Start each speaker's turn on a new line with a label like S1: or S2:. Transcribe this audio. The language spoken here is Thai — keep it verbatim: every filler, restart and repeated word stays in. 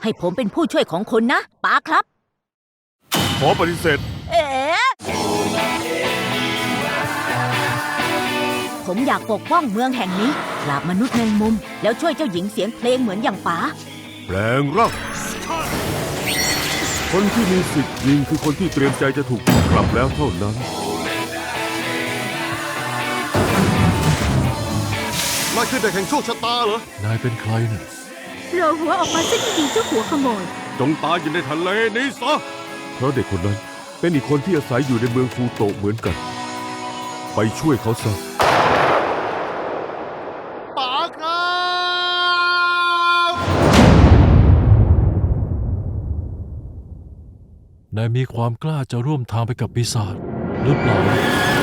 S1: ให้ผมเป็นผู้ช่วยของคุณนะป๋าครับ
S2: ขอปฏิเสธ
S1: เอ๋ผมอยากปกป้องเมืองแห่งนี้ปราบมนุษย์แมงมุมแล้วช่วยเจ้าหญิงเสียงเพลงเหมือนอย่างป๋า
S2: แปลงร่างคนที่มีสิทธิ์ยิงคือคนที่เตรียมใจจะถูกกลับแล้วเท่านั้นนายคือเด็กแห่งโชคชะตาเหรอนายเป็นใครเนี่ย
S1: เราหัวออกมาซะดีๆเจ้าหัวขโมย
S2: จงตายอยู่ในทะเลนี้ซะเพราะเด็กคนนั้นเป็นอีกคนที่อาศัยอยู่ในเมืองฟูโตะเหมือนกันไปช่วยเขาซะป๋าครับ
S3: นายมีความกล้าจะร่วมทางไปกับปีศาจหรือเปล่า